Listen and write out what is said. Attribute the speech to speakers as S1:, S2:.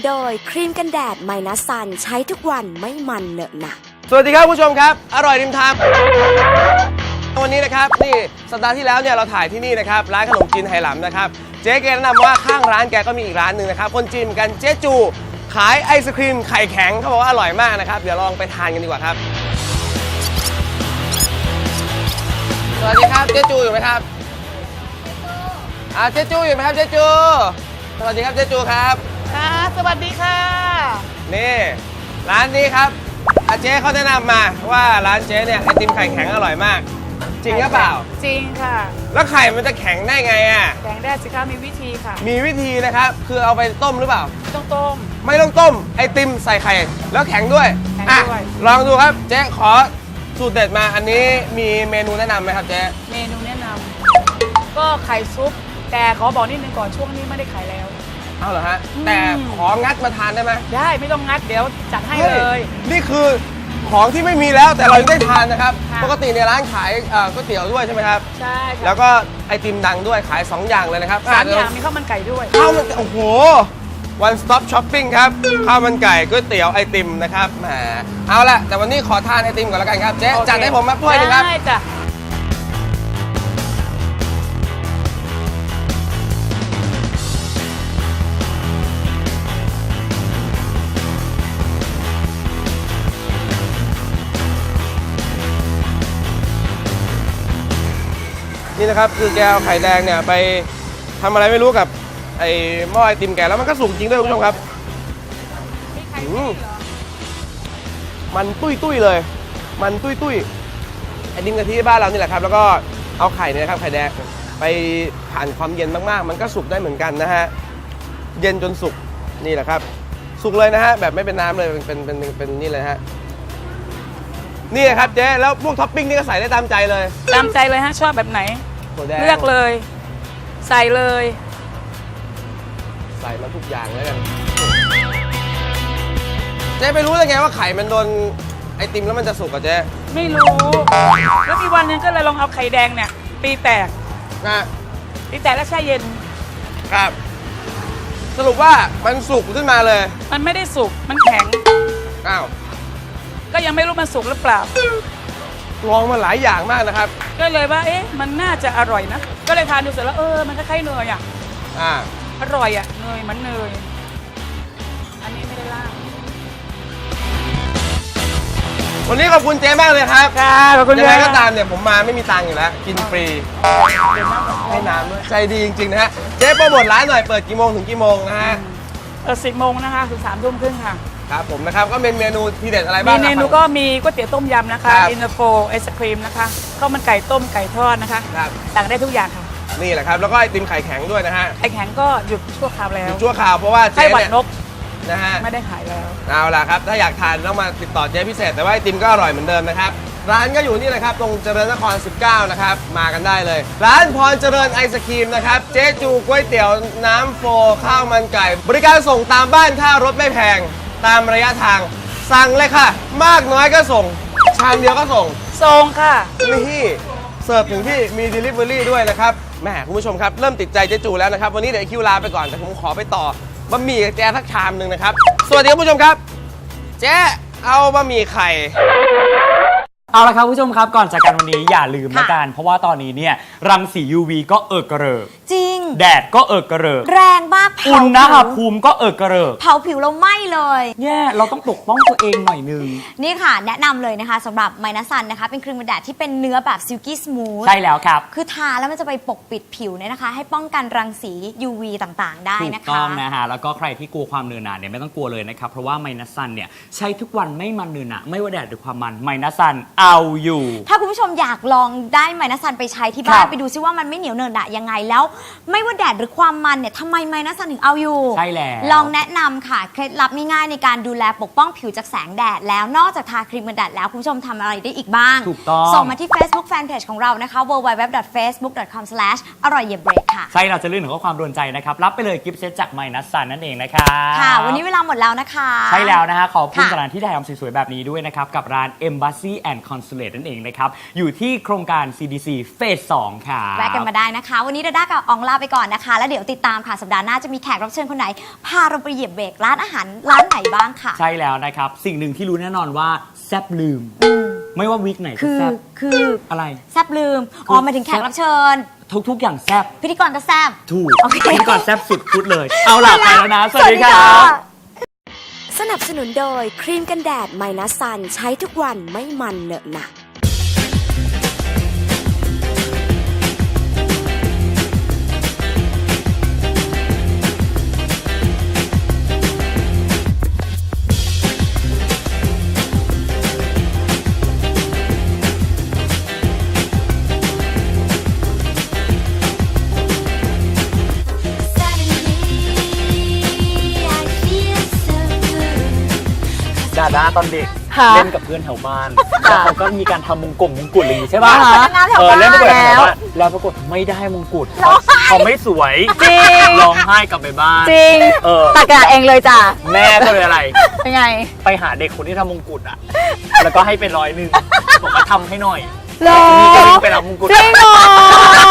S1: โดยครีมกันแดดไมนัสซันใช้ทุกวันไม่มันเหนอะหนะ
S2: สวัสดีครับผู้ชมครับอร่อยริมทางวันนี้นะครับนี่สัปดาห์ที่แล้วเนี่ยเราถ่ายที่นี่นะครับร้านขนมจีนไหหลำนะครับเจ๊แกแนะนำว่าข้างร้านแกก็มีอีกร้านหนึ่งนะครับคนจีนเหมือนกันเจ๊จูขายไอศครีมไข่แข็งเขาบอกว่าอร่อยมากนะครับเดี๋ยวลองไปทานกันดีกว่าครับสวัสดีครับเจ๊จูอยู่ไหมครับเจ๊จูอยู่ไหมครับเจ๊จูสวัสดีครับเจ๊จูครับ
S3: ค่ะสวัสดีค่ะ
S2: นี่ร้านนี้ครับเจ๊เขาแนะนำมาว่าร้านเจ๊เนี่ยไอติมไข่แข็งอร่อยมากจริงหรือเปล่า
S3: จริงค่ะ
S2: แล้วไข่มันจะแข็งได้ไงอ่ะ
S3: แข็งได้สิคะมีวิธีค่ะ
S2: มีวิธีนะครับคือเอาไปต้มหรือเปล่า
S3: ต้องต้ม
S2: ไม่ต้องต้มไอติมใส่ไข่แล้วแข็งด้วยลองดูครับเจ๊ขอสูตรเด็ดมาอันนี้มีเมนูแนะนำไหมครับเจ๊
S3: เมนูแนะนำก็ไข่ซุปแต่ขอบอกนิดนึงก่อนช่วงนี้ไม่ได้ขายแล้ว
S2: เอาเหรอฮะแต่ของัดมาทานได้ไหม
S3: ได้ไม่ต้องงัดเดี๋ยวจัดให้เลย
S2: นี่คือของที่ไม่มีแล้วแต่เรายังได้ทานนะครับปกติในร้านขายก๋วยเตี๋ยวด้วยใช่ไหมครับ
S3: ใช่
S2: แล้วก็ไอติมดังด้วยขาย2อย่างเลยนะครับ
S3: 3อย่างมีข้าวมันไก่ด้วย
S2: ข้าวมันโอ้โห one stop shopping ครับข้าวมันไก่ก๋วยเตี๋ยวไอติมนะครับแหมเอาละแต่วันนี้ขอทานไอติมก่อนแล้วกันครับเจ๊จัดให้ผมมาถ้วยนึงครับ
S3: ได้จ้ะ
S2: นี่นะครับคือแกเอาไข่แดงเนี่ยไปทำอะไรไม่รู้กับไอ้หม้อไอติมแกแล้วมันก็สุกจริงด้วยคุณผู้ชมครับมันตุ้ยเลยมันตุ้ยไอติมกะทิบ้านเรานี่แหละครับแล้วก็เอาไข่เนี่ยครับไข่แดงไปผ่านความเย็นมากๆมันก็สุกได้เหมือนกันนะฮะเย็นจนสุกนี่แหละครับสุกเลยนะฮะแบบไม่เป็นน้ำเลยเป็นนี่เลยฮะนี่ครับเจ๊แล้วพวกท็อปปิ้งนี่ก็ใส่ได้ตามใจเลย
S3: ตามใจเลยฮะชอบแบบไหนเลือกเลยใส่เลย
S2: ใส่มาทุกอย่างแล้วกันเจ๊ไม่รู้ได้ไงว่าไข่มันโดนไอติมแล้วมันจะสุกอะเจ๊
S3: ไม่รู้แล้วมีวันนึงก็เลยลองเอาไข่แดงเนี่ยตีแตกแล้วแช่เย็น
S2: ครับสรุปว่ามันสุกขึ้นมาเลย
S3: มันไม่ได้สุกมันแข็ง
S2: อ้าว
S3: ก็ยังไม่รู้มันสุกหรือเปล่า
S2: ลองมาหลายอย่างมากนะครับ
S3: ก็เลยว่าเอ๊ะมันน่าจะอร่อยนะก็เลยทานดูเสร็จแล้วมันคล้ายๆเนยอ่ะอร่อยอ่ะเนยมันเนยอันนี้ไม่ได้ล่าง
S2: วันนี้ขอบคุณเจ๊มากเลยครับ
S3: ขอบคุณ
S2: ยังไงก็ตามเนี่ยผมมาไม่มีตังค์อยู่แล้วกินฟรีให้น้ำด้วยใจดีจริงๆนะฮะเจ๊โปรโมทร้านหน่อยเปิดกี่โมงถึงกี่โมงนะฮะ
S3: 10 โมงนะคะถึง3 ทุ่มครึ่งค่ะ
S2: ครับผมนะครับก็เป็นเมนูทีเด็ดอะไรบ้าง
S3: เมนูก็มีก๋วยเตี๋ยวต้มยำนะคะอินเตอร์โฟไอศครีมนะคะข้าวมันไก่ต้มไก่ทอดนะคะสั่งได้ทุกอย่างค่ะ
S2: นี่แหละครับแล้วก็ไอติมไข่แข็งด้วยนะฮะ
S3: ไข่แข็งก็หยุดชั่วคราวแล้ว
S2: หยุดชั่วคราวเพราะว่าเจ๊เนี่ยนะฮะ
S3: ไม่ได้ขายแล้ว
S2: เอาล่ะครับถ้าอยากทานต้องมาติดต่อเจ๊พิเศษแต่ว่าไอติมก็อร่อยเหมือนเดิมนะครับร้านก็อยู่นี่เลยครับตรงเจริญนคร 19นะครับมากันได้เลยร้านพรเจริญไอศครีมนะครับเจ๊จูก๋วยเตี๋ยวน้ำโฟข้าวมันไก่บริการส่งตามบ้านค่ารถไม่แพงตามระยะทางสั่งเลยค่ะมากน้อยก็ส่งชามเดียวก็ส่ง
S3: ค่ะ
S2: นี่เสิร์ฟถึงที่มี Delivery ด้วยนะครับแหมคุณผู้ชมครับเริ่มติดใจเจ๊จูแล้วนะครับวันนี้เดี๋ยวคิวลาไปก่อนแต่ผมขอไปต่อบะหมี่กับแจ๊สักชามหนึ่งนะครับสวัสดีคุณผู้ชมครับเจ๊เอาบะหมี่ไข่
S4: เอาละครับผู้ชมครับก่อนจากกันวันนี้อย่าลืมนะกันเพราะว่าตอนนี้เนี่ยรังสี UV ก็กระเริก
S1: จริง
S4: แดดก็กระเริก
S1: แรงมาก
S4: อุณหภูมิก็กระเริก
S1: เผาผิวเราไหม้เลย
S4: แย่เราต้องปกป้องตัวเองหน่อยนึง
S1: นี่ค่ะแนะนำเลยนะคะสำหรับไมนัสซันนะคะเป็นครีมกันแดดที่เป็นเนื้อแบบซิลกี้สมูท
S4: ใช่แล้วครับ
S1: คือทาแล้วมันจะไปปกปิดผิวเนี่ยนะคะให้ป้องกันรังสี UV ต่างๆได้นะคะ
S4: ถูกต้องนะฮะแล้วก็ใครที่กลัวความเนือหนาเนี่ยไม่ต้องกลัวเลยนะครับเพราะว่าไมนัสซันเนี่ยใช้ทุกวันไม่มันเนือหนาไม่ว่าแดดหรือความมันไมนัสซันเอาอยู่
S1: ถ้าคุณผู้ชมอยากลองได้ไมนัสซันไปใช้ที่บ้านไปดูซิว่ามันไม่เหนียวเนอะหนะยังไงแล้วไม่ว่าแดดหรือความมันเนี่ยทำไมไมนัสซันถึงเอาอยู่
S4: ใช่แล้ว
S1: ลองแนะนำค่ะเคล็ดลับง่ายๆในการดูแลปกป้องผิวจากแสงแดดแล้วนอกจากทาครีมกันแดดแล้วคุณผู้ชมทำอะไรได้อีกบ้าง
S4: ถูกต้อง
S1: ส่งมาที่ Facebook Fanpage ของเรานะคะ www.facebook.com/อร่อยเย็บเบรกค่ะ
S4: ใช่เราจะลื่นถึงข้อความโดนใจนะครับรับไปเลยกิฟต์เซตจากไมนัสซันนั่นเองนะครับ
S1: ค่ะวันนี้เวลาหมดแล้วนะคะ
S4: ใช่แล้วนะฮะขอบคุณสถานที่ถ่ายทำสวยๆแบบนี้ด้วยนะครับกับร้าน Embassy and Consulate นั่นเองนะครับอยู่ที่โครงการ CDC เฟส 2 ค่ะ
S1: แวะกันมาได้นะคะวันนี้ดาด้ากับอองลาไปก่อนนะคะ แล้วเดี๋ยวติดตามค่ะสัปดาห์หน้าจะมีแขกรับเชิญคนไหนพาเราไปเหยียบเบรกร้านอาหารร้านไหนบ้างค่ะ
S4: ใช่แล้วนะครับ สิ่งหนึ่งที่รู้แน่นอนว่าแซบลืม ไม่ว่าวิกไหนก็
S1: คือ
S4: แซบ
S1: คือ
S4: อะไร
S1: แซบลืมอ๋อหมายถึงแขกรับเชิญ
S4: ทุกอย่างแซบ
S1: พิธีกรก็แซบ
S4: ถูก
S1: โอเค
S4: พิธีกรแซบสุดพูดเลย เอาล่ะไปแล้วนะ สวัสดีครับ
S5: สนับสนุนโดยครีมกันแดดไมนัสซันใช้ทุกวันไม่มันเหนอะหนะ
S4: ดาด้าตอนเด็ก
S1: ค่ะ
S4: เล่นกับเพื่อนแถวบ้านแล้วเขาก็มีการทำมงกุฎอะไรอย่างงี้ใช่ป่ะ
S1: เป็นนางงามแถวบ้าน
S4: เล่นประกวดแถว
S1: แล้ว
S4: บ้านแล้วปรากฏไม่ได้มงกุฎเขาไม่สวย
S1: จริง
S4: ร้องไห้กลับไปบ้าน
S1: จริง
S4: เออ
S1: ตักกระเองเลยจ้ะ
S4: แม่ก็เลยอะไร
S1: เป็นไง
S4: ไปหาเด็กคนที่ทำมงกุฎอ่ะ แล้วก็ให้เป็น100บอกว่าทำให้หน่อย
S1: หรอ
S4: นี่ก็วิ่งไปรับมงกุฎ
S1: จริงเหรอ